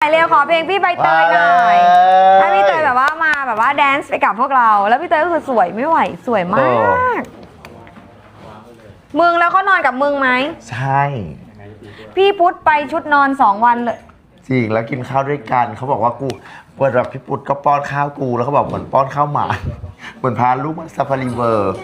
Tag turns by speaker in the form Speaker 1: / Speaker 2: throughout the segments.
Speaker 1: เร็วขอเพลงพี่ใบเตยหน่อยถ้าพี่เตยแบบว่ามาแบบว่าแดนซ์ไปกับพวกเราแล้วพี่เตยก็คือสวยไม่ไหวสวยมากมึงแล้วเขานอนกับมึงไหม
Speaker 2: ใช่
Speaker 1: พี่พุทธไปชุดนอน2 วันเลย
Speaker 2: จริงแล้วกินข้าวด้วยกันเขาบอกว่ากูเปิดแบบพี่พุทธก็ป้อนข้าวกูแล้วเขาบอกเหมือนป้อนข้าวหมาเหมือนพาลูกมาซาฟารีเวอร์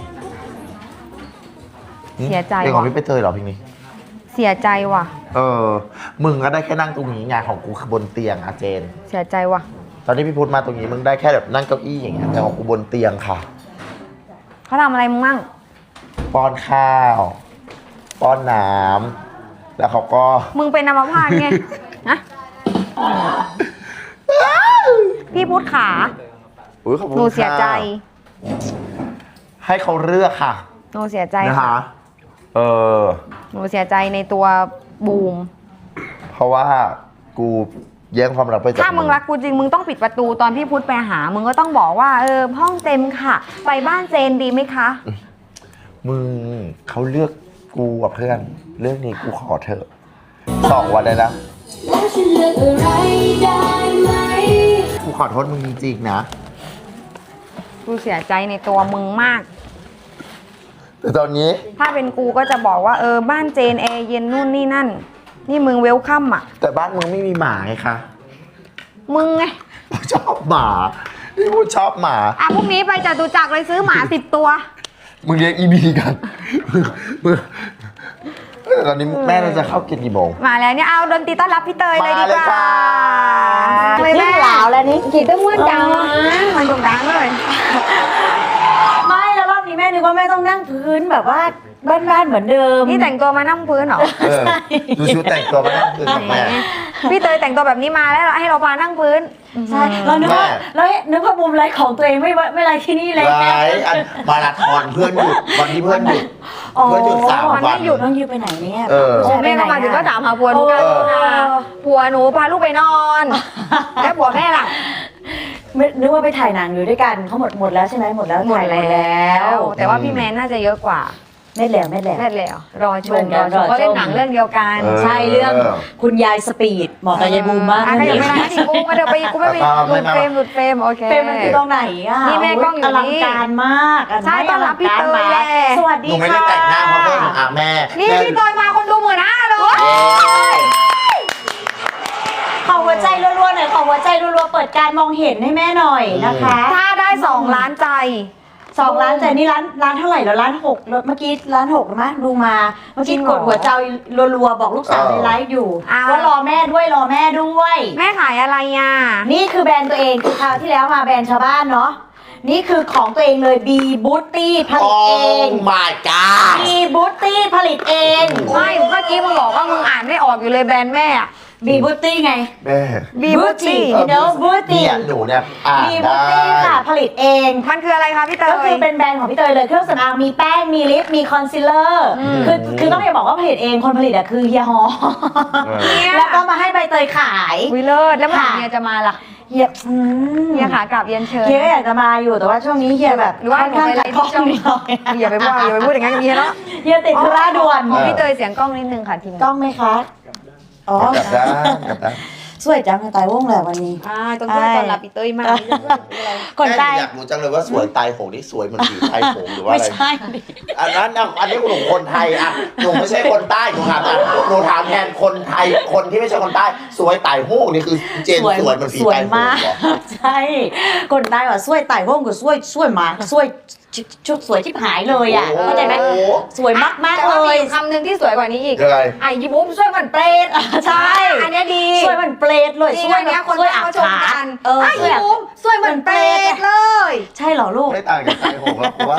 Speaker 1: เสียใจ
Speaker 2: เพลงของพี่ไปเตยเหรอเพลงนี้
Speaker 1: เสียใจว่ะ
Speaker 2: มึงก็ได้แค่นั่งตรงนี้งานของกูคือบนเตียงอาเจน
Speaker 1: เสียใจว่ะ
Speaker 2: ตอนที่พี่พุทธมาตรงนี้มึงได้แค่แบบนั่งเก้าอี้อย่างเงี้ยแต่ของกูบนเตียงค่ะ
Speaker 1: เขาทำอะไรมึงมั่ง
Speaker 2: ป้อนข้าวป้อนน้ำแล้วเขาก็
Speaker 1: มึงเป็นอัมพาตไงนะพี่พุทธขาหนูเสียใจ
Speaker 2: ให้เขาเลือกค่ะ
Speaker 1: หนูเสียใจ
Speaker 2: นะคะ
Speaker 1: หนูเสียใจในตัวบูม
Speaker 2: เพราะว่ากูแย่งความรักไปจาก
Speaker 1: ถ้ามึงรักกูจริงมึงต้องปิดประตูตอนพี่พุทธไปหามึงก็ต้องบอกว่าห้องเต็มค่ะไปบ้านเจนดีไหมคะ
Speaker 2: มึงเขาเลือกกูกับเพื่อนเรื่องนี้กูขอเถอะ2 วันเลยนะแล้วฉันเลือกอะไรได้ไหมกูขอโทษมึงจริงๆนะ
Speaker 1: กูเสียใจในตัวมึงมาก
Speaker 2: แต่ตอนนี้
Speaker 1: ถ้าเป็นกูก็จะบอกว่าบ้านเจนแอร์เย็นนู่นนี่นั่นนี่มึงเวลคัมอ่ะ
Speaker 2: แต่บ้านมึงไม่มีหมาไงคะ
Speaker 1: มึงไง
Speaker 2: ชอบหมาพี่พูดชอบหมา
Speaker 1: พรุ่งนี้ไปจตุจักรเลยซื้อหมา10 ตัว
Speaker 2: มึงเลี้ยงอีบีกันมึงตอนนี้แม่เราจะเข้ากินกี่โมง
Speaker 1: มาแล้วเนี่ยเอาดนตรีต้อนรับพี่เตยเลยดีกว่า
Speaker 3: เลยแม่หลาวแล้วนี่
Speaker 1: กี่ต้นม้วนจังมันตรงกลางเลย
Speaker 3: ไม่แล้วรอบนี้แม่นึกว่าแม่ต้องนั่งพื้นแบบว่าบ้านๆเหมือนเดิม
Speaker 1: นี่แต่งตัวมานั่งพื้นเหรอ
Speaker 2: ดูชุดแต่งตัวมานั่งพื้นกับแม่
Speaker 1: พี่เตยแต่งตัวแบบนี้มาแล้วให้เราพานั่งพื้น
Speaker 3: ใช่เรานึกว่ามุมไลฟ์ของตัวเองไม่ไลฟ์ที่นี่เลย
Speaker 2: ไลฟ์มาราธอนเพื่อนหยุดวันที่เพื่อนหยุดเพื่อนหยุด3 วัน
Speaker 3: ไม่หยุดต้องยืมไปไหนเนี่ย
Speaker 1: แม่ก็มาถึงก็ถามหาผัวหนูกันผัวหนูพาลูกไปนอนแล้วผัวแม่ล่ะ
Speaker 3: นึกว่าไปถ่ายหนังอยู่ด้วยกันเขาหมดแล้วใช่ไหมหมดแล้ว
Speaker 1: ถ่ายแล้วแต่ว่าพี่แมนน่าจะเยอะกว่า
Speaker 3: ไม่แล้ว
Speaker 1: รอชมก็เล่นหนังเรื่องเดียวกัน
Speaker 3: ใช่เรื่องคุณยายสปีดเหมาะกับยายบูมมาก
Speaker 1: ถ้ายังไม่ได้กูมาเดี๋ยวไปกูไม่ไปหลุดเฟรมโอเค
Speaker 3: เฟรมมันคือตรงไหนอ่ะ
Speaker 1: นี่แม่กล้องอยู่นี่
Speaker 3: อลังการมาก
Speaker 1: ใช่ต้อนรับพี่เตยแหละ
Speaker 3: สวัสดีค่ะ
Speaker 2: หนูไม่ได้แต่งหน้าเพราะเพื่อนแม่
Speaker 1: นี่พี่เตยมาคนดู15,000เลย
Speaker 3: ขอหัวใจรัวๆหน่อยขอหัวใจรัวๆเปิดการมองเห็นให้แม่หน่อยนะคะ
Speaker 1: ถ้าได้2 ล้านใจ
Speaker 3: 2 ล้านใจนี่ร้านเท่าไหร่แล้ว1,600เมื่อกี้1,600มั้ยดูมาเมื่อกี้กดหัวใจรัวๆบอกลูกสาวในไลฟ์อยู่ว่ารอแม่ด้วย
Speaker 1: แม่ขายอะไรอ่ะ
Speaker 3: นี่คือแบรนด์ตัวเองคือคราวที่แล้วมาแบรนด์ชาวบ้านเนาะนี่คือของตัวเองเลย B Beauty ผลิตเอง
Speaker 2: Oh my god
Speaker 3: B Beauty ผลิตเอง
Speaker 1: ไม่เมื่อกี้มึงบอกว่ามึงอ่านไม่ออกอยู่เลยแบรนด์แม่
Speaker 3: B Beauty ไง
Speaker 2: แม่
Speaker 1: B Beauty
Speaker 3: Beauty
Speaker 2: หนูเนี่ย
Speaker 3: B Beauty ค่ะผลิตเอง
Speaker 1: มันคืออะไรคะพี่เตย
Speaker 3: ก็คือเป็นแบรนด์ของพี่เตยเลยเครื่องสำอางมีแป้งมีลิปมีคอนซีลเลอร์คือต้องอย่าบอกว่าผลิตเองคนผลิตอะคือเฮียฮอแล้วก็มาให้ใบเตยขาย
Speaker 1: วิเลิศแล้วเมื่อไหร่เฮียจะมาล่ะ
Speaker 3: เฮีย
Speaker 1: ขากลับเรียนเชิญ
Speaker 3: เฮียก็อยากจะมาอยู่แต่ว่าช่วงนี้เฮียแบบ
Speaker 1: หรือว่าหนูไปไลฟ์ที่ช่องอย่าไปพูดอย่างนั้นกับเฮียเนาะ
Speaker 3: เฮียติดธุระด่วน
Speaker 1: พี่เตยเสียงกล้องนิดนึงค่ะทีม
Speaker 3: กล้องไหมคะ
Speaker 2: อ๋อกลับได้
Speaker 3: สวยจังตายวงแหละวันนี้
Speaker 1: ต้องช่วยตอนรับพี่เตยมาก
Speaker 3: คนใต้
Speaker 2: อยากรู้จังเลยว่าสวยตายโหงนี่สวยเหมือนผีตายโหงหรือว่าอะไร
Speaker 3: ไม่ใช่
Speaker 2: อันนี้หนูคนไทยอ่ะหนูไม่ใช่คนใต้หนูถามแทนคนไทยคนที่ไม่ใช่คนใต้สวยตายโหงนี่คือเจนสวยเหมือนผีตายโหง
Speaker 3: ใช่คนใต้ว่าสวยตายโหงก็สวยมากสวยชุดสวยที่หายเลยอ่ะเข้าใจไหมสวยมากเลย
Speaker 1: คำหนึ่งที่สวยกว่านี้อีกไอ้ยิบุ้มสวยเหมือนเปรต
Speaker 3: ใช่
Speaker 1: อันนี้ดี
Speaker 3: สวยเหมือนเปรตเลย
Speaker 1: สวยเนี้ยคนเขาชมกันไอ้ยิบุ้มสวยเหมือนเปรตเลย
Speaker 3: ใช่เหรอลูก
Speaker 2: ไม่ต่างจากตายโหงหรอกว่า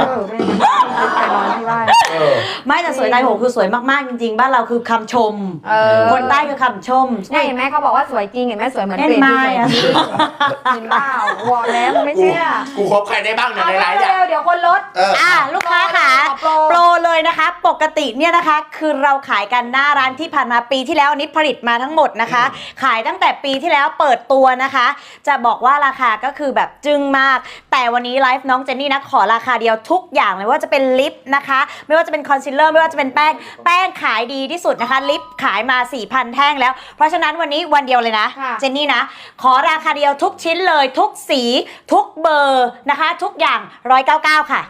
Speaker 3: ไม่แต่สวยตายโหงคือสวยมากๆจริงๆบ้านเราคือคำชมคนใต้คือคำชม
Speaker 1: เห็นไหมเขาบอกว่าสวยจริงเห็นไหมสวยเหมือนเปรตที่สวยจริงเห็นเปล่าวอลแล้วไม่เชื่อ
Speaker 2: กูคบใครได้บ้างในไลฟ์
Speaker 1: เดี๋ยวคนลด
Speaker 3: ลูกค้าค่ะโปรเลยนะคะปกติเนี่ยนะคะคือเราขายกันหน้าร้านที่ผ่านมาปีที่แล้วนี้ผลิตมาทั้งหมดนะคะขายตั้งแต่ปีที่แล้วเปิดตัวนะคะ จะบอกว่าราคาก็คือแบบจึ้งมากแต่วันนี้ไลฟ์น้องเจนนี่นะขอราคาเดียวทุกอย่างไม่ว่าจะเป็นลิปนะคะไม่ว่าจะเป็นคอนซีลเลอร์ไม่ว่าจะเป็นแป้งขายดีที่สุดนะคะลิปขายมา 4,000 แท่งแล้วเพราะฉะนั้นวันนี้วันเดียวเลยนะเจนนี่นะขอราคาเดียวทุกชิ้นเลยทุกสีทุกเบอร์นะคะทุกอย่าง199ค่ะ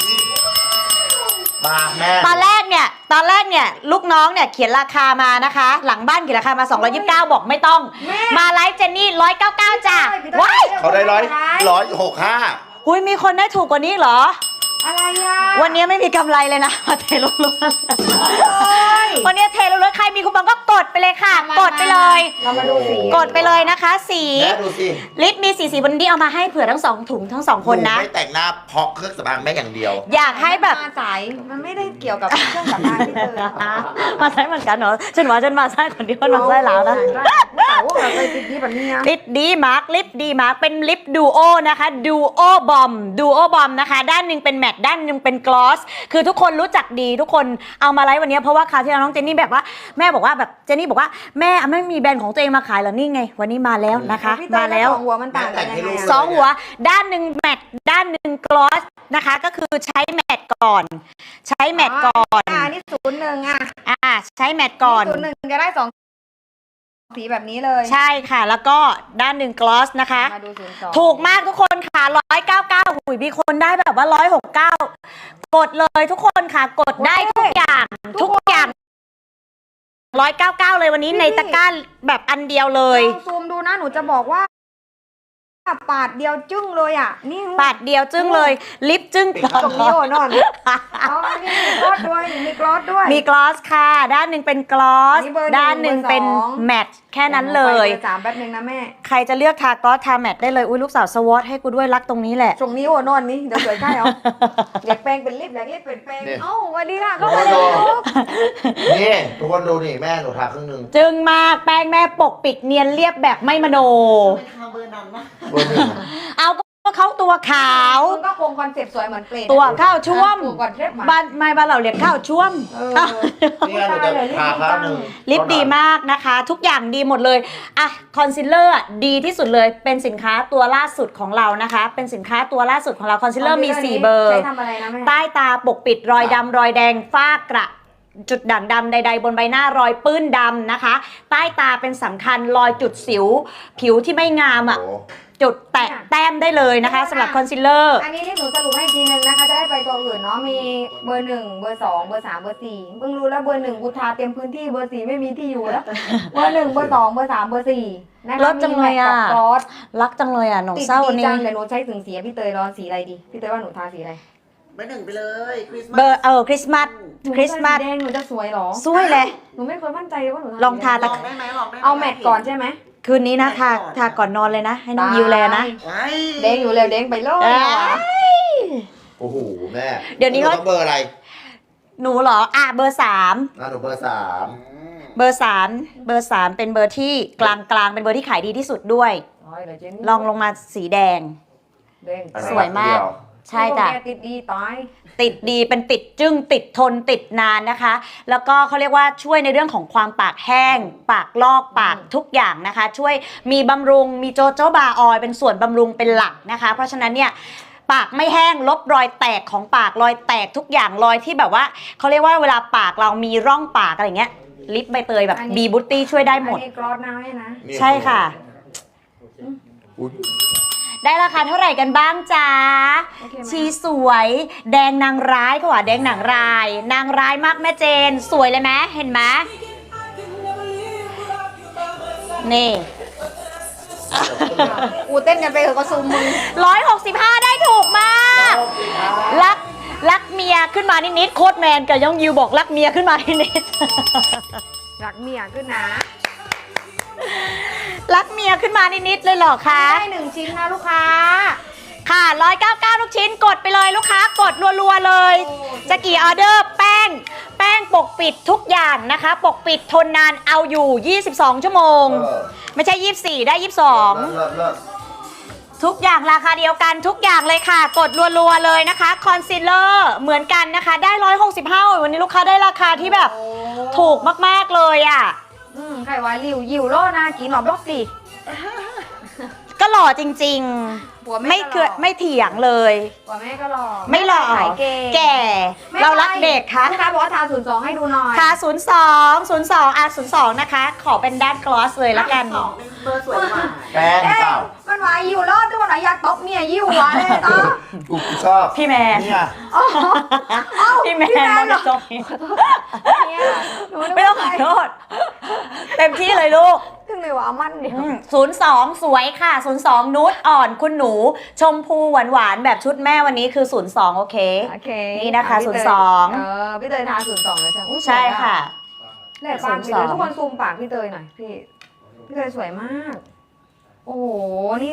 Speaker 2: มาแม่
Speaker 3: ตอนแรกเนี่ยลูกน้องเนี่ยเขียนราคามานะคะหลังบ้านเขียนราคามา229บอกไม่ต้องมาไลฟ์เจนนี่199จ้ะว้าย
Speaker 2: เขาได้165
Speaker 3: หุยมีคนได้ถูกกว่านี้เหรอ
Speaker 1: อะไรอ่ะ
Speaker 3: วันนี้ไม่มีกำไรเลยนะเทล้วนๆวันนี้เทล้วนๆใครมีคูปองก็กดไปเลยค่ะกดไปเลย
Speaker 1: เรามาดูสี
Speaker 3: กดไปเลยนะคะสี
Speaker 2: ดูสิ
Speaker 3: ลิปมีสีวันนี้เอามาให้เผื่อทั้ง2ถุงทั้ง2คนนะ
Speaker 2: ไม่แต่งหน้าเพราะเครื่องสำอางแม่อย่างเดียว
Speaker 3: อยากให้แบบ
Speaker 1: มาสายมันไม่ได้เกี่ยวกับเครื่องสำอางที่เธอ
Speaker 3: มาใช้เหมือนกันเหรอฉันมาใช้คนเดียวมาใช้แล้วนะ
Speaker 1: ลิปดีแบบนี้
Speaker 3: ลิปดีมาร์คเป็นลิปดูโอนะคะดูโอบอมนะคะด้านหนึ่งเป็นแมตต์ด้านหนึ่งเป็นกลอสคือทุกคนรู้จักดีทุกคนเอามาไลฟ์วันนี้เพราะว่าคราวที่น้องเจนนี่แบบว่าแม่บอกว่าแบบเจนนี่บอกว่าแม่ไม่มีแบรนด์ของตัวเองมาขายเหรอนี่ไงวันนี้มาแล้วนะคะมาแล้ว
Speaker 1: 2 หัวมันต่างกันยังไง
Speaker 3: 2 หัวด้านหนึ่งแมตต์ด้านหนึ่งกลอสนะคะก็คือใช้แมตต์ก่อนใช้แมตต์ก่อน
Speaker 1: นี่01
Speaker 3: ใช้แมตต์ก่อน
Speaker 1: 01จะได้2สีแบบนี้เลย
Speaker 3: ใช่ค่ะแล้วก็ด้านหนึ่งกลอสนะคะถูกมากทุกคนค่ะ199หุยมีคนได้แบบว่า169กดเลยทุกคนค่ะกดได้ทุกอย่าง199เลยวันนี้ในตะกร้าแบบอันเดียวเลย
Speaker 1: ซูมดูนะหนูจะบอกว่าปาดเดียวจึ้งเลยอ่ะนี่
Speaker 3: ปาดเดียวจึ้งเลยลิปจึ้ง
Speaker 1: ตรงนี้โอนอนมีกลอสด้วยมีกลอส
Speaker 3: ค่ะด้านหนึ่งเป็นกลอสด้านหนึ่งเป็นแมตต์แค่นั้นเลย
Speaker 1: 3แป๊บนึงนะแม่
Speaker 3: ใครจะเลือกทากลอสทาแมตต์ได้เลยอุ้ยลูกสาวสวอตให้กูด้วยรักตรงนี้แหละ
Speaker 1: ตรงนี้โอนอนนี่เดี๋ยวสวยใช่เหรออยากแปลงเป็นลิปเป็นแปลงวันนี้ค่ะก็มาดู
Speaker 2: นี่ทุกคนดูนี่แม่หนูทาครึ่งนึง
Speaker 3: จึ้งมากแป้งแม่ปกปิดเนียนเรียบแบบไม่มโนเอาก็เขาตัวขาว
Speaker 1: ก็คงคอนเซ็ปต์สวยเหมือนเปรต
Speaker 3: ตัวข้าวช่วมบ้านเราเรียกข้าวช่วม
Speaker 2: นี่เราจะทาข้าวนึง
Speaker 3: ลิปดีมากนะคะทุกอย่างดีหมดเลยอ่ะคอนซีลเลอร์ดีที่สุดเลยเป็นสินค้าตัวล่าสุดของเรานะคะเป็นสินค้าตัวล่าสุดของเราคอนซีลเลอร์มี4เบอร์ใต้ตาปกปิดรอยดำรอยแดงฝ้ากระจุดด่างดำใดๆบนใบหน้ารอยปื้นดำนะคะใต้ตาเป็นสำคัญรอยจุดสิวผิวที่ไม่งามอ่ะจุดแตะแต้มได้เลยนะคะสำหรับคอนซีลเลอร์
Speaker 1: อันนี้ที่หนูสรุปให้ทีนึงนะคะจะได้ไปตัวอื่นเนาะมีเบอร์1เบอร์2เบอร์3เบอร์4เพิ่งรู้แล้วเบอร์1กูทาเต็มพื้นที่เบอร์4ไม่มีที่อยู่แล้วเบอร์1เบอร์2เบอร์3เบอร์4
Speaker 3: นะคะจังเลยอ่ะรักจังเลยอ่ะหนูเศร้านี่
Speaker 1: เดี๋ยวหนูใช้ถึงสีพี่เตยรอสีอะไรดีพี่เตยว่าหนูทาสีอะไร
Speaker 2: เบอร์1ไปเลย
Speaker 3: เบอร์คริสต์มาส
Speaker 1: แดงหนูจะสวยหรอ
Speaker 3: สวยเลย
Speaker 1: หนูไม่เคยมั่นใจเลยว่าหนู
Speaker 3: ลองทา
Speaker 2: ได้ไหม
Speaker 1: เอาแมทก่อนใช่ไหม
Speaker 3: คืนนี้นะทาก่อนนอนเลยนะให้น้องยิวแลนะ
Speaker 1: เด้งอยู่แล้วเด้งไปเลย
Speaker 2: โอ้โหแม่
Speaker 3: เดี๋ยวนี้เขา
Speaker 2: เบอร์อะไร
Speaker 3: หนูเหรอเบอร์3
Speaker 2: หนูเบอร์3
Speaker 3: เบอร์3เป็นเบอร์ที่กลางเป็นเบอร์ที่ขายดีที่สุดด้วยลองลงมาสีแดงสวยมากใช่จ้ะ
Speaker 1: ติดดีตาย
Speaker 3: ติดดีเป็นติดจึ้งติดทนติดนานนะคะแล้วก็เขาเรียกว่าช่วยในเรื่องของความปากแห้งปากลอกปากทุกอย่างนะคะช่วยมีบำรุงมีโจโจบาออยเป็นส่วนบำรุงเป็นหลักนะคะเพราะฉะนั้นเนี่ยปากไม่แห้งลบรอยแตกของปากรอยแตกทุกอย่างรอยที่แบบว่าเขาเรียกว่าเวลาปากเรามีร่องปากอะไรเงี้ยลิปใบเตยแบบบีบูตตี้ช่วยได้หมด
Speaker 1: กรอสน้ำนะ
Speaker 3: ใช่ค่ะได้ราคาเท่าไหร่กันบ้างจ๊ะชีสวยแดงนางร้ายก็ว่าแดงนางร้ายนางร้ายมากแม่เจนสวยเลยไหมเห็นไหมนี่
Speaker 1: เต้นกันไปเถอะก็ซูมมือ
Speaker 3: 165ได้ถูกมากรักเมียขึ้นมานิดๆโคตรแมนกับย่องยิวบอกรักเมียขึ้นมานิด
Speaker 1: ๆรักเมียขึ้นนะ
Speaker 3: รักเมียขึ้นมานิดๆเลยเหรอคะ
Speaker 1: ได้1ชิ้นนะลูกค้า
Speaker 3: ค่ะ199ทุกชิ้นกดไปเลยลูกค้ากดรัวๆเลยจะกี่ออเดอร์แป้งปกปิดทุกอย่างนะคะปกปิดทนนานเอาอยู่22ชั่วโมงไม่ใช่24ได้22ทุกอย่างราคาเดียวกันทุกอย่างเลยค่ะกดรัวๆเลยนะคะคอนซีลเลอร์เหมือนกันนะคะได้165วันนี้ลูกค้าได้ราคาที่แบบถูกมากๆเลยอ่ะ
Speaker 1: ใครว่ายิวโลนะกินหลอมล็อกสิ
Speaker 3: ก็หล่อจริง
Speaker 1: หัว
Speaker 3: ๆ
Speaker 1: แม่
Speaker 3: ไม่
Speaker 1: ก็
Speaker 3: เคือ
Speaker 1: หล่อ
Speaker 3: ไม่เถียงเลย
Speaker 1: หัวแม่ก็หล่อ
Speaker 3: ไม่หล่อ
Speaker 1: ขายเก่ง
Speaker 3: แก่ เรารักเด็กค่ะ
Speaker 1: ลูกค้าบอกว่าทา02ให้ดูหน่อย
Speaker 3: ค่ะ02นะคะ ขอเป็นด้านกลอสเลยละกัน
Speaker 4: เบอร์สวยกว่า
Speaker 2: แป้ง
Speaker 1: เอ๊ะ
Speaker 2: เปล่า
Speaker 1: มันว่ายิวโลทุกคนอยากตบเนี่ยยิวหัวเลยต่อ
Speaker 2: กูชอบ
Speaker 3: พี่แมน
Speaker 2: เนี่ย
Speaker 3: พี่แมน
Speaker 1: เหรอ
Speaker 3: จบ
Speaker 1: เนี่ยหนูนึก
Speaker 3: ไม่ต้องขอโทษ เต็มที่เลยลูก
Speaker 1: ถึงเลยว่ามันเดียว
Speaker 3: 02 สวยค่ะ 02 นูดอ่อนคุณหนู ชมพูหวานๆ แบบชุดแม่วันนี้คือ 02 โอเค
Speaker 1: โอเค
Speaker 3: นี่นะคะ
Speaker 1: พี่เตย
Speaker 3: 02
Speaker 1: พี่เตยทา02เลยใช่ไหม
Speaker 3: ใช่ค่ะ
Speaker 1: แหลกปากพี่เตย
Speaker 3: 02
Speaker 1: ทุกคนซูมปากพี่เตยหน่อยพี่เตยสวยมากโอ้โหนี่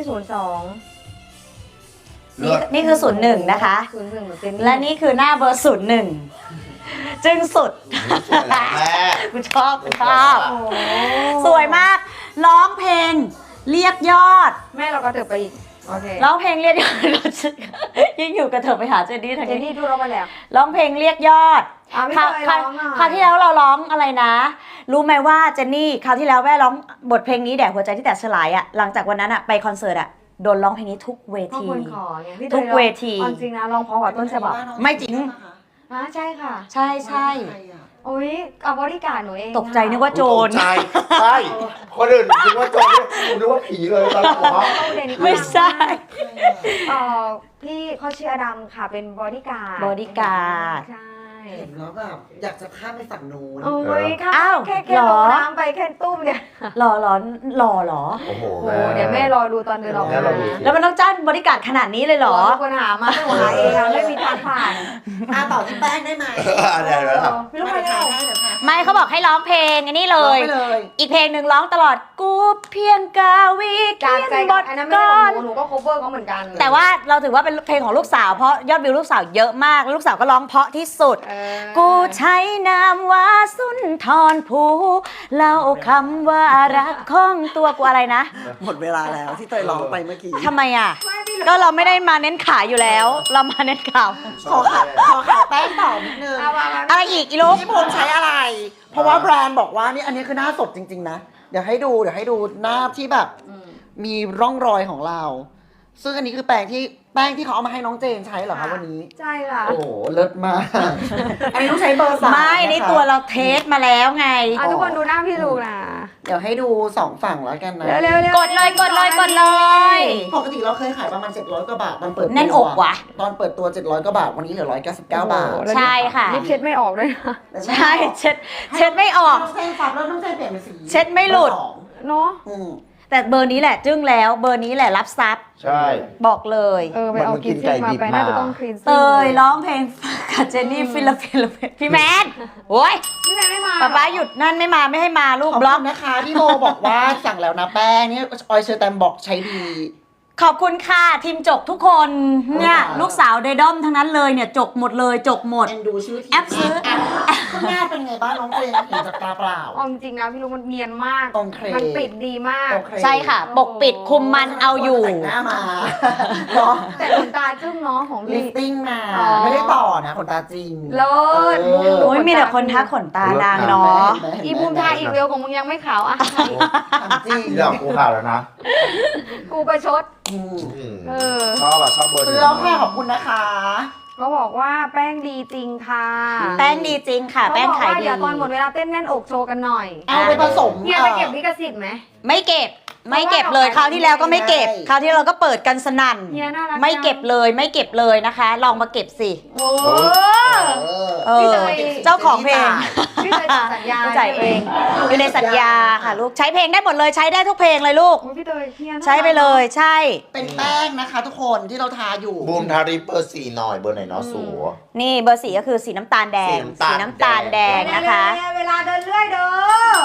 Speaker 1: 02
Speaker 3: นี่คือ 01 นะคะ
Speaker 1: 01เหมือนเจนนี่
Speaker 3: และนี่คือหน้าเบอร์ 01 จึงสุด
Speaker 2: สวยแล้วแม่
Speaker 3: กูชอบ
Speaker 1: โอ้โห
Speaker 3: สวยมาก ร้องเพลง เรียกยอด
Speaker 1: แม่เราก็เถิบไปอีกโอเค
Speaker 3: ร้องเพลงเรียกยอด ยิ่งอยู่กับเธอไปหาเจนนี่ทาง
Speaker 1: เจน
Speaker 3: นี้
Speaker 1: นี่ดูเราไปแล้ว
Speaker 3: ร้องเพลงเรียกยอด
Speaker 1: พี่
Speaker 3: คราว
Speaker 1: เตย
Speaker 3: คราว
Speaker 1: ร้องหน่อย
Speaker 3: คราวที่แล้วเราร้องอะไรนะ รู้ไหมว่าเจนนี่คราวที่แล้วแม่ร้องบทเพลงนี้แด่หัวใจที่แตกสลายอะหลังจากวันนั้นอะไปคอนเสิร์ตอะโดนร้องเพลงนี้ทุกเว
Speaker 1: พ่อ
Speaker 3: ที
Speaker 1: คนขอไงพี่เตย
Speaker 3: ทุกเวที
Speaker 1: เอาจริงนะลองเพราะกว่าต้นฉบับ
Speaker 3: ไม่จริง
Speaker 1: ใช่ค่ะ
Speaker 3: ใช่ใช่
Speaker 1: โอ้ยเอาบริการหนูเอง
Speaker 3: ตกใจนึกว่าโจร
Speaker 2: ตกใจใช่คนอื่นนึกว่าโจรกูนึกว่าผีเลยตอนแรกผมว่า
Speaker 3: ไม่ใช่
Speaker 1: พี่เขาชื่ออดัมค่ะเป็นบริการ
Speaker 3: บอดี้การ์ด
Speaker 1: ใช่
Speaker 4: เห็นแล้วแบบอยากจะข้ามไปฝั่งนู้น
Speaker 1: โอ้ยค่ะ
Speaker 3: อ้าว
Speaker 1: แค่
Speaker 3: เหร
Speaker 1: ล
Speaker 3: อ
Speaker 1: งน้ำไปแค่ตุ้มเนี่ย
Speaker 3: หล่อเหรอหล่อเหรอ
Speaker 2: โอ้โห
Speaker 1: โอ้เดี๋ยวแม่รอดูตอนเดินออก
Speaker 2: แม่
Speaker 1: มาร
Speaker 2: อดู
Speaker 3: แล้วมันต้องจ้างบริการขนาดนี้เลยเหรอ
Speaker 1: มีคนหามาไม่หาเองอะไม่มีทางผ่าน
Speaker 4: ต่อที่แป้งได้ไหม
Speaker 2: เดี๋ยว
Speaker 1: ไม่รู้
Speaker 4: ไม่
Speaker 1: ใคร
Speaker 4: ทา
Speaker 1: เอา
Speaker 4: ให้เดี๋ยวทา
Speaker 3: ไม่เขาบอกให้ร้องเพลงอันนี้เล
Speaker 4: ร้อง
Speaker 3: ย
Speaker 4: ไปเลย
Speaker 3: อีกเพลงหนึ่งร้องตลอดกูเพียงกาวีเขี
Speaker 1: จาก
Speaker 3: ย
Speaker 1: ใจ
Speaker 3: นบ
Speaker 1: กับ
Speaker 3: ท
Speaker 1: อันนั้นไม่
Speaker 3: ก่
Speaker 1: ใช่
Speaker 3: อ
Speaker 1: ขอน งหนูก็ cover เขาเหมือนกัน
Speaker 3: แต่ว่าเราถือว่าเป็นเพลงของลูกสาวเพราะยอดวิวลูกสาวเยอะมากแล้วลูกสาวก็ร้องเพราะที่สุด กูใช้นามว่าสุนทรภูเล่าคำว่ารักของตัวกูอะไรนะ
Speaker 4: หมดเวลาแล้วที่เตยร้องไปเมื่อกี้
Speaker 3: ทำไมอ่ะ ก็เราไม่ได้มาเน้นขายอยู่แล้ว เรามาเน้นข่าว
Speaker 4: ขอขายแป้งต่อนิดนึง
Speaker 1: เอามา
Speaker 3: อะไรอีกอีลูก
Speaker 4: พี่พลใช้อะไร เพราะว่าแบรนด์บอกว่านี่อันนี้คือหน้าศพจริงๆนะ เดี๋ยวให้ดูหน้าที่แบบมีร่องรอยของเรา ซึ่งอันนี้คือแป้งที่เขาเอามาให้น้องเจนใช้เหรอคะวันนี้
Speaker 1: ใช่ค่ะ
Speaker 4: โอ้โหเลิศมาก อันนี้ต้องใช้เบอร์3
Speaker 3: ไม่นี่ตัวเราเทสมาแล้วไง
Speaker 1: ทุกคนดูหน้าพี่ลูกนะ
Speaker 4: เดี๋ยวให้ดู2ฝั่งแล้วกันนะ
Speaker 1: เร็วๆ
Speaker 3: กดเลยกดเลยกดเลย
Speaker 4: ปกติเราเคยขายประมาณ700กว่าบาทตอนเปิดตัว
Speaker 3: แน่นอกว่ะ
Speaker 4: ตอนเปิดตัว700กว่าบาทวันนี้เหลือ199บาท
Speaker 3: ใช่ค่ะ
Speaker 1: ลิปเช็ดไม่ออกด้วยนะ
Speaker 3: ใช่เช็ดไม่ออก
Speaker 4: น้องเจนฟับแล้วน้องเจนเปลี่ยนเป็นสี
Speaker 3: เช็ดไม่หลุด
Speaker 4: เบอร์สอง
Speaker 1: เนาะ
Speaker 4: อืม
Speaker 3: แต่เบอร์นี้แหละจึ้งแล้วเบอร์นี้แหละรับซับ
Speaker 2: ใช่
Speaker 3: บอกเลย
Speaker 1: ไปเอากินซิ่งมาไปน่าจะต้องคลีนซิ่ง
Speaker 3: เตยร้องเพลงกับเจนนี่ฟิลาพี่แมนโอ้ย
Speaker 1: พี่แม่ไม่มา
Speaker 3: ป๊าป๊าหยุดนั่นไม่มาไม่ให้มาลูก
Speaker 4: ขอบบ
Speaker 3: ล็
Speaker 4: คุ
Speaker 3: อก
Speaker 4: ณนะคะพี่โมบอกว่าสั่งแล้วนะแป้งนี่ออยเชอร์แตมบอกใช้ดี
Speaker 3: ขอบคุณค่ะทีมจกทุกคนเนี่ยลูกสาวเดดอมทั้งนั้นเลยเนี่ยจกหมดเลยจกหมด
Speaker 4: เอ็นดูชื่อทีม
Speaker 3: แอปซื้อ
Speaker 4: คุณแม่เป็นไงบ้างน้องเจนเห็นจากตาเปล่า
Speaker 1: เอาจริงๆนะพี่ลูกมันเนียนมาก
Speaker 4: โอเค
Speaker 1: มันปิดดีมาก
Speaker 4: โอเค
Speaker 3: ใช่ค่ะ ปกปิดคุมมันเอาอยู่
Speaker 4: แต่งหน้ามาเนาะ
Speaker 1: แต่ขนตาจึ้งเนาะของ
Speaker 4: ลิ
Speaker 1: พี่
Speaker 4: ฟติ้งมา
Speaker 1: อ๋อ
Speaker 4: ไม่ได้ต่อนะขนตาจริง
Speaker 1: เลิศ
Speaker 3: โอ้ยมีแต่คนทักขนตานางเนาะ
Speaker 1: อีบูมทาอีเวลของมึงยังไม่ขาวอ่ะ
Speaker 4: จริง
Speaker 2: ที่เรากูข่าวแล้วนะ
Speaker 1: กูประชด
Speaker 4: อืม
Speaker 1: เออ
Speaker 2: ชอบอะชอบเบอร์ห
Speaker 4: ซื้
Speaker 2: นึ่
Speaker 4: อง แล้วค่ะขอบคุณนะคะ
Speaker 1: เขาบอกว่าแป้งดีจริงค่ะ
Speaker 3: แป้งดีจริงค่ะ แป้งขาย
Speaker 1: เขบอกว่
Speaker 3: ดี
Speaker 1: เดี๋ยวตอนหมดเวลาเต้นแน่นอกโชว์กันหน่อย
Speaker 4: เอาไปผสม
Speaker 1: เฮียไปเก็บลิขสิทธิ์ไหม
Speaker 3: ไม่เก็บไม่เก็บเลยคราวที่แล้วก็ไม่เก็บคราวที่เราก็เปิดกันสนั่น
Speaker 1: เฮียน่ารัก
Speaker 3: ไม่เก็บเลยไม่เก็บเลยนะคะ ลองมาเก็บสิ
Speaker 1: โอ้
Speaker 3: เอ
Speaker 1: พี่
Speaker 3: อ
Speaker 1: เตย
Speaker 3: เจ้าของเพลง
Speaker 1: พี่เตยจ่ายสัญญา
Speaker 3: จ่ายเองอยู่ในสัญญาค่ะลูกใช้เพลงได้หมดเลยใช้ได้ทุกเพลงเลยลูก
Speaker 1: โอ้ยพี่เตยเฮียน่ารัก
Speaker 3: ใช้ไปเลยใช่
Speaker 4: เป็นแป้งนะคะทุกคนที่เราทาอยู่
Speaker 2: บูมทาริปเบอร์4หน่อยเบอร์ไหนเนาะสู
Speaker 3: นี่เบอร์สีก็คือสีน้ำตาลแดง
Speaker 2: สี
Speaker 3: สี
Speaker 2: น้ำ
Speaker 3: น้ำ
Speaker 2: ตา
Speaker 3: ตา
Speaker 2: ล
Speaker 3: ล
Speaker 2: แด
Speaker 3: แด
Speaker 2: ง
Speaker 3: งนะคะ
Speaker 1: เวลาเดินเรื่อยเด้อก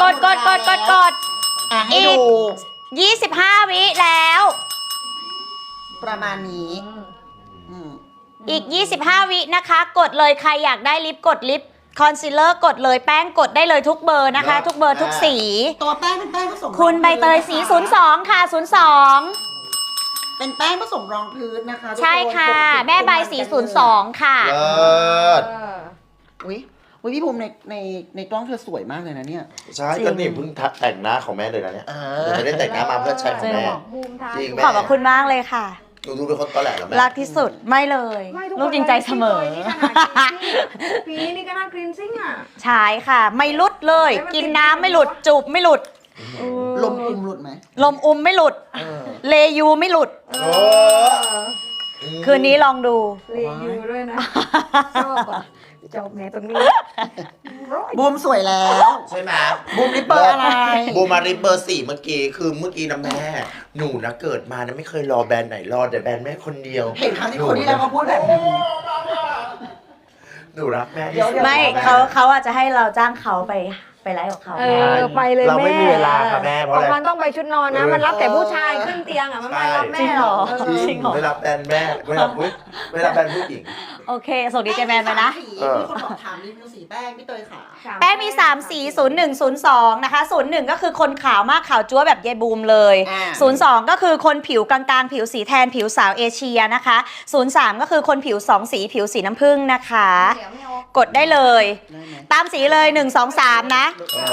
Speaker 3: ด
Speaker 4: อ่ะให้
Speaker 3: อีก
Speaker 4: ดู
Speaker 3: 25 วิแล้ว
Speaker 4: ประมาณนี้อืม
Speaker 3: อีก 25 วินะคะ กดเลยใครอยากได้ลิปกดลิปคอนซีลเลอร์กดเลยแป้งกดได้เลยทุกเบอร์นะคะ ทุกเบอร์ทุกสี
Speaker 4: ตัวแป้งเป็นแป้งผสม
Speaker 3: คุณใบเตยสี 02 ค่ะ 02
Speaker 4: เป็นแป้งผสมรองพื้นนะคะทุกน
Speaker 3: ใช่ค่ะ
Speaker 4: ปกติ
Speaker 3: แม่ใบสี 02 ค่ะ
Speaker 2: เลิศ
Speaker 4: อุ๊ยเฮ้ยพี่ภูมิในกล้องเธอสวยมากเลยนะเนี่ย
Speaker 2: ใช่ก็นี่เพิ่งแต่งหน้าของแม่เลยนะเนี่ยเดี๋ยวไม่ได้แต่งหน้ามาเพื่อใช้ของแม่
Speaker 1: บูมทา
Speaker 2: จริงแม่
Speaker 3: ขอบคุณมากเลยค่ะ
Speaker 2: หนูดูเป็นคนตอแหลเหรอแม่
Speaker 3: รักที่สุดไม่เลย
Speaker 1: ไม่ทุกคน
Speaker 3: ลูกจริงใจเสมอ
Speaker 1: พี่นี่ก็น่ากรีนซิ่งอ่ะ
Speaker 3: ใช่ค่ะ ไม่หลุดเลย กินน้ำไม่หลุดจูบไม่หลุด
Speaker 4: ลมอุ้มหลุดไหม
Speaker 3: ลมอุ้มไม่หลุด เลยูไม่หลุด
Speaker 2: โอ้
Speaker 3: คืนนี้ลองดู
Speaker 1: รีวิวด้วยนะชอบอ่ะจบแม่ตรงนี้
Speaker 4: บูมสวยแล้ว
Speaker 2: ใช่ไหม
Speaker 4: บูมริปเปอร์อะไร
Speaker 2: บูมาริเบอร์4เมื่อกี้คือเมื่อกี้นะแม่หนูนะเกิดมานะไม่เคยรอแบรนด์ไหนรอแต่แบรนด์แม่คนเดียว
Speaker 4: เห็นครั้งที่คนที่แล้วเขาพูดแบบนี้
Speaker 2: หนูรักแม่
Speaker 4: เดี๋ยว
Speaker 3: ไม่เขาอาจจะให้เราจ้างเขาไปไลฟ์ของเขา
Speaker 1: ไปเลยแม่
Speaker 2: เราไม่มีเวลาค่ะแม่เพราะอะไร
Speaker 1: มันต้องไปชุดนอนนะ มันรับแต่ผู้ชายขึ้นเตียงอ่ะ มันไม่รับแม่หรอก
Speaker 3: จริงเหรอ
Speaker 2: ไม่รับแบรนด์แม่ไม่รับอุ๊ยไม่รับแบรนด์ผู้หญิง
Speaker 3: โอเค ส่งดีเจแมนไปนะ
Speaker 4: มีคนบอกถามรีวิวสีแป้งพี่เตยขา
Speaker 3: แป้งมี 3 สี 0102 นะคะ 01 ก็คือคนขาวมากขาวจั๊วแบบยายบูมเลย 02 ก็คือคนผิวกลางๆ ผิวสีแทนผิวสาวเอเชียนะคะ 03 ก็คือคนผิว 2 สีผิวสีน้ำผึ้งนะคะ กดได้เลย ตามสีเลย 1 2 3 นะ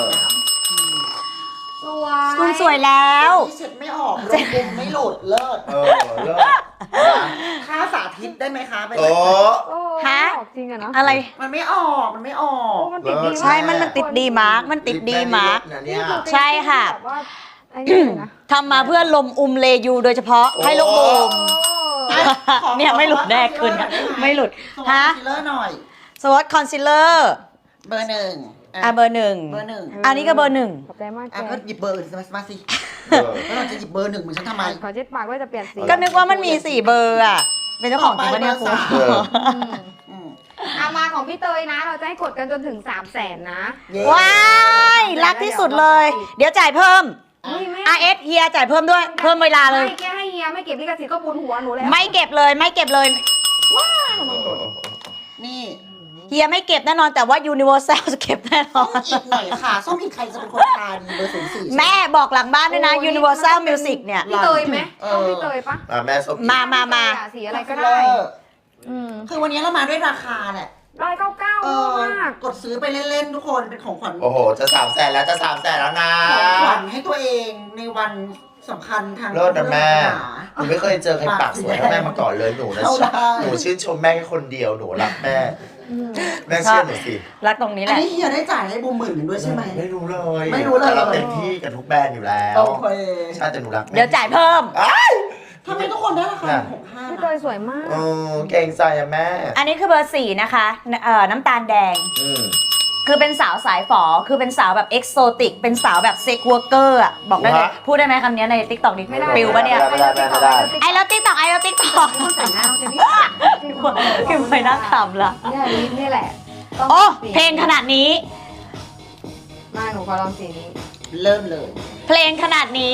Speaker 3: คุณสวยแล้ว
Speaker 4: เช็ดไม่ออกลมบุมไม่หลุดเลิศ
Speaker 2: เลิศ
Speaker 4: ค่าสาธิตได้ไหมคะไป
Speaker 2: โอ้
Speaker 3: ฮะ
Speaker 1: จริงอะเนาะ
Speaker 3: อะไร
Speaker 4: มันไม่ออกมันไม่ออก
Speaker 1: มันติดดี
Speaker 3: ใช่ มันติดดีมาร์กมันติดดีมาร์ก
Speaker 2: นะเนี่ย
Speaker 3: ใช่ค่ะ
Speaker 1: แบบว่าไอ้นี่เลยนะ
Speaker 3: ทำมาเพื่อลมอุมเลยูโดยเฉพาะให้ลูกบูม เนี่ยไม่หลุดแน่คืนนะไม่หลุด
Speaker 4: ฮะ
Speaker 3: ฮะ
Speaker 4: คอนซีลเลอร์หน่อย
Speaker 3: สวอตคอนซีลเลอร์
Speaker 4: เบอร์หนึ่ง
Speaker 3: เบอร์หนึ่ง
Speaker 4: เบอร์หนึ่ง
Speaker 3: อันนี้ก็เบอร์หนึ่ง
Speaker 1: ขอบใจมากแก
Speaker 4: ก็หยิบเบอร์อื่นมาสิ
Speaker 2: เออ
Speaker 4: แล้วเราจะหยิบเบอร์หนึ่งเหมือนฉันทำไม
Speaker 1: ขอเช็ดปากว่าจะเปลี่ยนสี
Speaker 3: ก็นึกว่ามันมี4เบอร์อ่ะ เป็นเจ้าของจริงปะเนี่ยคุณ
Speaker 2: เออ
Speaker 1: อามาของพี่เตยนะ เราจะให้กดกันจนถึง 300,000 นะ
Speaker 3: ว้าย รักที่สุดเลย เดี๋ยวจ่ายเพิ่ม RS เฮียจ่ายเพิ่มด้วย เพิ่มเวลาเลย
Speaker 1: ไม่แค่ให้เฮียไม่เก็บลิขสิทธิ์ก็บุญหัวหนูแล้ว
Speaker 3: ไม่เก็บเลยไม่เก็บเลย
Speaker 4: นี่
Speaker 3: เฮียไม่เก็บแน่นอนแต่ว่า Universal จะเก็บแน่น
Speaker 4: ส้
Speaker 3: อ
Speaker 4: ม
Speaker 3: น
Speaker 4: อีกหน่อยค่ะส้มอีกใครจะเป็นคนทานเบอร์04
Speaker 3: แม่บอกหลังบ้านด้วยนะ Universal Music เนี่ย
Speaker 1: พี่เตยไหมต้องพี่เตยปะ
Speaker 2: แม่ส้ม
Speaker 3: มา
Speaker 1: สีอะไรก็
Speaker 4: ก็
Speaker 1: ได้
Speaker 4: ได้
Speaker 1: อืม
Speaker 4: คือวันนี้เรามาด้วยราคาแหละ
Speaker 1: 199มาก
Speaker 4: กดซื้อไปเล่นๆทุกคนเป็นของขวัญ
Speaker 2: โอ้โหจะ300,000แล้วจะ300,000แล้วนะ
Speaker 4: ของขวัญให้ตัวเองในวันสำคัญทาง
Speaker 2: เลิศนะแม่
Speaker 4: ศาสนา
Speaker 2: หนูไม่เคยเจอใครปากสวยเท่าแม่มาก่อนเลยหนูนะ
Speaker 4: เข้าได้
Speaker 2: หนูชื่นชมแม่แค่คนเดียวหนูรักแม่แม่เชื่อหนูสิ
Speaker 3: รักตรงนี้แห
Speaker 4: อัน
Speaker 3: ละ
Speaker 4: นี้เฮียได้จ่ายให้บูมหมื่นหนึ่งด้วยใช่ไหม
Speaker 2: ไม่รู้เลย
Speaker 4: ไม่รู้เลย
Speaker 2: แต่เราเต็มที่กับทุกแบรนด์อยู่แล้ว
Speaker 4: โอเค
Speaker 2: ใช่แต่หนูรักแม่
Speaker 3: เดี๋ยวจ่ายเพิ่ม
Speaker 2: อ้าย
Speaker 4: ทำไมทุกคนได้ราคา65
Speaker 1: พี่เตยสวยมาก
Speaker 2: เออเก่งใจอะแม่
Speaker 3: อันนี้คือเบอร์ 4 นะคะ น้ำตาลแดง
Speaker 2: อืม
Speaker 3: คือเป็นสาวสายฝอ คือเป็นสาวแบบเอ็กโซติก เป็นสาวแบบเซ็กวอร์เกอร์อ่ะ บอกได้เลย
Speaker 2: ฮะ
Speaker 3: พูดได้ไหมคำนี้ใน t ิ k t o k นี้
Speaker 1: ไม่ได้
Speaker 3: ปิวปะเนี่ย
Speaker 2: ไม่ได้
Speaker 3: ไอ้แล้วติ๊กตอกไอ้แล้วติ๊กตอก
Speaker 1: ใส่หน้าน้องเจนนี่
Speaker 3: คือไปนั่งขำละ
Speaker 1: เนี่ยลิปนี่แหละต้อง
Speaker 3: โอ้
Speaker 1: สี
Speaker 3: เพลงขนาดนี้
Speaker 1: มาหนูขอลองสีนี้
Speaker 4: เริ่มเลย
Speaker 3: เพลงขนาดนี้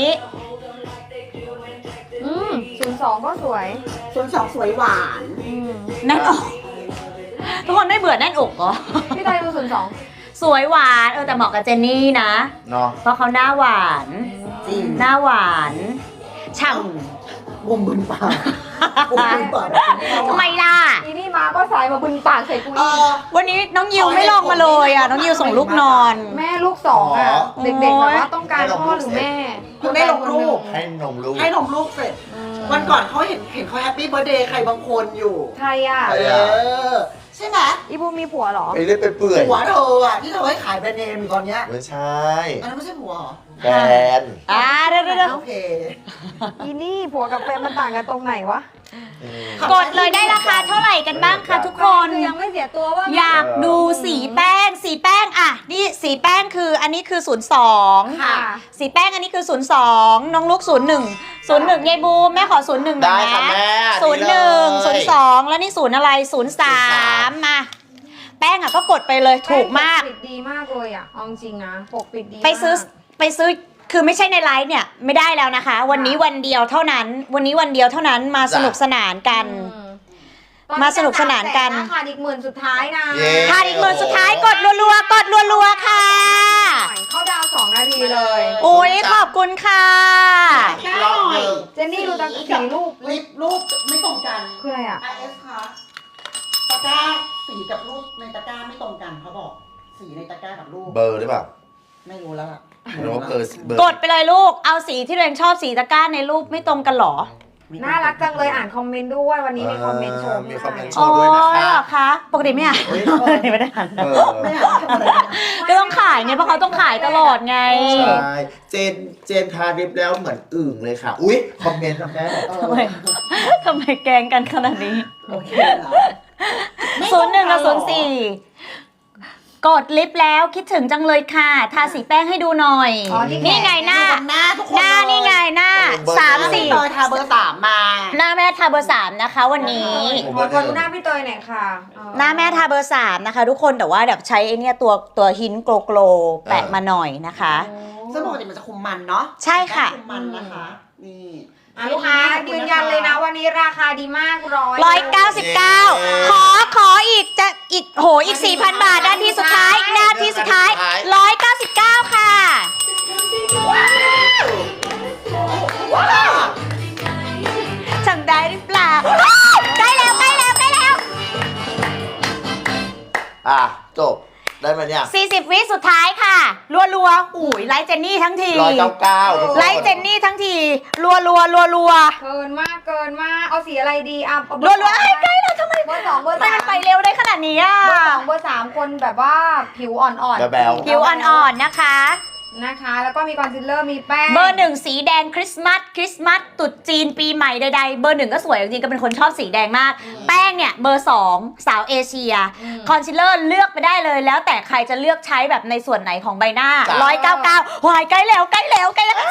Speaker 1: 02 ก็สวย
Speaker 4: ส่วนสองสวยหวาน
Speaker 3: แน่นอกทุกคนไม่เบื่อแน่นอกเหรอ
Speaker 1: พี่เตยดู02
Speaker 3: สวยหวานแต่เหมาะกับเจนนี่นะ
Speaker 2: เนาะ
Speaker 3: เพราะเขาหน้าหวาน
Speaker 4: จริง
Speaker 3: หน้าหวานฉ่
Speaker 4: บุมบึนปากบุมบึนปาก
Speaker 3: ำทำไมล่ะ
Speaker 1: อีนี่มาก็สายมาบึนปากใส่กู
Speaker 4: เอ
Speaker 1: อีก
Speaker 4: อ
Speaker 3: วันนี้น้องยิวไม่ลองมาเลยอ่ะ น้องยิวส่งลูกนอน
Speaker 1: แม่ลูก2อ่ะ เด็กๆแบบว่าต้องการพ่อหรือแม่
Speaker 4: เพิ่งได้ลงรูป
Speaker 2: ให้นมลูก
Speaker 4: ให้นมลูกเสร็จ วันก่อนเขาเห็นเขาแฮปปี้เบ t ร์ a เดย์ใครบางคนอยู่
Speaker 1: ใครอ่ะ
Speaker 2: ใคร
Speaker 4: เอ
Speaker 2: อะ
Speaker 4: อ ใช่ไหม
Speaker 1: อีบูมีผัวเหรอ
Speaker 2: ไปเรื่อยไปเปื่อย
Speaker 4: ผัวเธออ่ะที่เธอให้ขายแบรนด์เนมอยู่ตอนเนี้ย
Speaker 2: ไม่ใช่
Speaker 4: อันนั้นไม่ใช่ผัวเหรอ
Speaker 2: แบรนด์
Speaker 3: เดี๋ยว
Speaker 4: โอเค
Speaker 1: อีนี่ผัวกับแฟนมันต่างกันตรงไหนวะ
Speaker 3: กดเลยได้ราคาเท่าไหร่กันบ้างคะทุกคน
Speaker 1: คือยังไม่เสียตัวว่า
Speaker 3: อยากดูสีแป้ง สีแป้งอ่ะ นี่สีแป้งคืออันนี้คือ 02
Speaker 1: ค่ะ
Speaker 3: สีแป้งอันนี้คือ 02 น้องลูก 01 01ยายบูมแม่ขอ 01หน่
Speaker 2: ได้
Speaker 3: อย
Speaker 2: ค่ะ
Speaker 3: นะ
Speaker 2: แม่
Speaker 3: 01 02 แล้วนี่0อะไร 03 มา แป้งอ่ะก็กดไปเลยถูกมาก
Speaker 1: ปกปิดดีมากเลยอ่ะเอาจริงนะปกปิดดีมาก
Speaker 3: ไปซื้อคือไม่ใช่ในไลฟ์เนี่ยไม่ได้แล้วนะคะ วันนี้วันเดียวเท่านั้น วันนี้วันเดียวเท่านั้นมาสนุกสนานกัน มาสนุกสนานกัน
Speaker 1: ขาดอีก10,000สุดท้ายนะ
Speaker 2: เย้
Speaker 3: ถ้าอีกหมื่นสุดท้ายกดรัวๆกดรัวๆค่ะ
Speaker 1: เข้าดาว2 นาทีเลย
Speaker 3: อุ้ยขอบคุณค่ะ
Speaker 4: อีกรอบหนึ่ง
Speaker 1: เจนนี่ดูตั้งสีรูป
Speaker 4: ลิปรูปไม่ตรงกัน
Speaker 1: คืออะไรอ่ะ
Speaker 4: IS ค่ะตะกร้าสีกับรูปในตะกร้าไม่ตรงกันเขาบอก สีในตะกร้ากับรูป
Speaker 2: เบอร์หรือเปล่า
Speaker 4: ไม่รู้แล้วล่ะ
Speaker 2: หรือว่าเบอร์
Speaker 3: กดไปเลยลูก เอาสีที่ตัวเองชอบสีตะกร้าในรูปไม่ตรงกันหรอ
Speaker 1: น่ารักจังเลยอ่านคอมเมนต์ด้วยวันนี้มีคอมเมนต์ชม
Speaker 2: มีคอมเมนต์ช
Speaker 3: โอ้
Speaker 2: มด้วยนะ
Speaker 3: ย
Speaker 2: คะ
Speaker 3: เหรอคะปกติไม่อ่านไม่ได้อ่าน
Speaker 2: เออ
Speaker 4: ไม่อยากทำอะไรนะ
Speaker 3: ก็ต้องขายไงเพราะเขาต้องขายตลอดไง
Speaker 2: ใช่เจนทาลิปแล้วเหมือนอึ่งเลยค่ะ อุ๊ย คอมเมนต์นะแม่
Speaker 3: ทำไมทำไมแกล้งกันขนาดนี้
Speaker 4: โอเคเหรอ
Speaker 3: 01 กับ 04 กดลิฟต์แล้วคิดถึงจังเลยค่ะ ทาสีแป้งให้ดูหน่อย
Speaker 1: อ๋อนี่
Speaker 3: นี่ไงหน้า
Speaker 4: หน้าทุกคน
Speaker 3: หน้านี่ไงหน้า
Speaker 4: พี่เตยทาเบอร์ 3 มา
Speaker 3: หน้าแม่ทาเบอร์ 3 นะคะ วันนี้
Speaker 1: ขอดูหน้าพี่เตยหน่อยค่ะ
Speaker 3: หน้าแม่ทาเบอร์ 3 นะคะ ทุกคนแต่ว่าแบบใช้ไอเนี่ยตัวหินโกลโกลแปะมาหน่อยนะคะ
Speaker 4: ซึ่งปกติมันจะคุมมันเนาะ
Speaker 3: ใช่ค่ะ
Speaker 4: คุมมันนะคะ นี่
Speaker 1: ลูกค้ายืนยันเลยนะวันนี้ราคาดีมาก
Speaker 3: 199 ขออีกจะอีกโหอีก 4,000 บาทนาทีสุดท้ายนาทีสุดท้าย 199 ค่ะ จำได้หรือเปล่าใกล้แล้ว
Speaker 2: อ่ะ จบ ได้ไหมเนี่ย
Speaker 3: 40 วิสุดท้ายค่ะ รัวๆอุ้ยไลฟ์เจนนี่ทั้งที
Speaker 2: 199ทุกคน
Speaker 3: ไลฟ์เจนนี่ทั้งทีรัว
Speaker 1: เกินมากเอาสีอะไรดีอ่ะ
Speaker 3: รัวใกล้แล้วทำไม
Speaker 1: เบอร์ 2 เบอร์
Speaker 3: ทำไม
Speaker 1: 3
Speaker 3: มันไปเร็วได้ขนาดนี้อ่ะ
Speaker 1: เบอร์ 2 เบอร์ 3 คนแบบว่าผิวอ่อนๆ
Speaker 2: แบ๊ว
Speaker 3: ผิวอ่อนๆนะคะ
Speaker 1: นะคะ แล้วก็มีคอนซีลเลอร์มีแป้ง
Speaker 3: เบอร์ 1 สีแดงคริสต์มาสตรุษจีนปีใหม่ใดๆเบอร์ 1 ก็สวยจริงๆก็เป็นคนชอบสีแดงมาก แป้งเนี่ยเบอร์ 2 สาวเอเชีย คอนซีลเลอร์เลือกไปได้เลยแล้วแต่ใครจะเลือกใช้แบบในส่วนไหนของใบหน้า 199วายใกล้แล้ว300,000แล้ว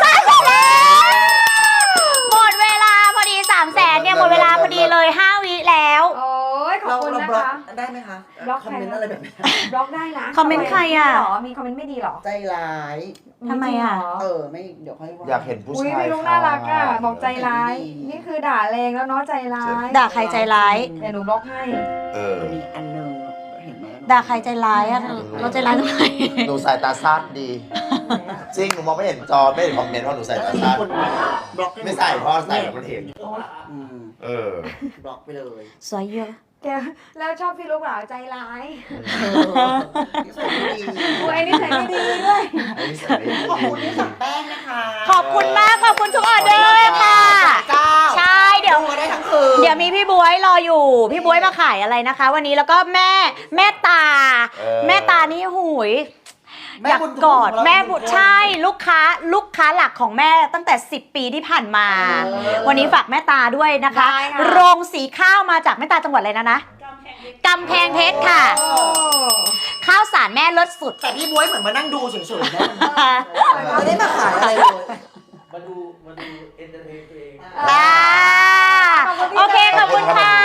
Speaker 3: หมดเวลาพอดี 300,000เนี่ยหมดเวลาพอดีเลย 5 วิแล้ว
Speaker 1: โอ้ยขอบคุณ
Speaker 4: เรา
Speaker 1: นะ
Speaker 4: บล็อก
Speaker 1: คะ
Speaker 4: ได้ไหมคะ
Speaker 1: บล็อก
Speaker 4: คอมเมนต์อะไรแบบนี้
Speaker 1: บล็อกได้นะ
Speaker 3: คอมเมนต์ใครอ่ะ
Speaker 1: หรอมีคอมเมนต์ไม่ดีหรอ
Speaker 4: ใจร้าย
Speaker 3: ทำไมอ่ะ
Speaker 4: ไม่เดี๋ยวค่อยว่า
Speaker 2: อยากเห็นผู้
Speaker 1: อุ้ย
Speaker 2: ชาย
Speaker 1: พี่ลุงน่ารักอ่ะ
Speaker 2: ค่ะ
Speaker 1: บอกใจร้าย นี่คือด่าแรงแล้วเนาะใจร้าย
Speaker 3: ด่าใครใจร้าย
Speaker 1: เดี๋ยวหนูบล็อกให้
Speaker 2: เออ
Speaker 4: มีอันหนึงเห็นไหม
Speaker 3: ด่าใครใจร้ายอ่ะเราใจร้ายทำไม
Speaker 2: หนูสายตาสั้นดี จริง หนูมองไม่เห็นจอ ไม่เห็นคอมเมนต์เพราะหนูสายตาสั้น
Speaker 4: คนบล็อก
Speaker 2: ไม่ใส่เพราะใส่แล้วมันเห็น
Speaker 4: อืม
Speaker 2: เออ
Speaker 4: บล็อกไปเลย
Speaker 3: สวยเยอะ
Speaker 1: แกแล้วชอบพี่ลูกเหรอใจร้าย
Speaker 4: นิสัยไม่ดี
Speaker 1: อุ้ยไอ้นี่ใส่ไม่ดีด้วย
Speaker 4: ขอบคุณที่สั่งแป้งนะคะ
Speaker 3: ขอบคุณมาก ขอบคุณทุกออเดอร์ค่ะ
Speaker 4: เจ้า
Speaker 3: ใช่ เดี๋ยว
Speaker 4: ดูได้ทั้งคืน
Speaker 3: เดี๋ยวมีพี่บวยรออยู่ พี่บวยมาขายอะไรนะคะ วันนี้แล้วก็แม่ตา แม่ตานี่หูยอยากกอดแม่บุตรใช่ลูกค้าหลักของแม่ตั้งแต่ 10 ปีที่ผ่านมา วันนี้ฝากแม่ตาด้วยนะคะ
Speaker 1: ได้ค่ะ
Speaker 3: โรงสีข้าวมาจากแม่ตาจังหวัดอะไรนะกำแพงเพชรค่ะ
Speaker 1: โอ้
Speaker 3: ข้าวสารแม่รสสุด
Speaker 4: แต่พี่บ๊วยเหมือนมานั่งดูเฉยๆนะไม่ได้มาขายอะไรเลย
Speaker 5: มาดูเอนเตอร์เทนตัวเอง
Speaker 3: โอเค ขอบคุณค่ะ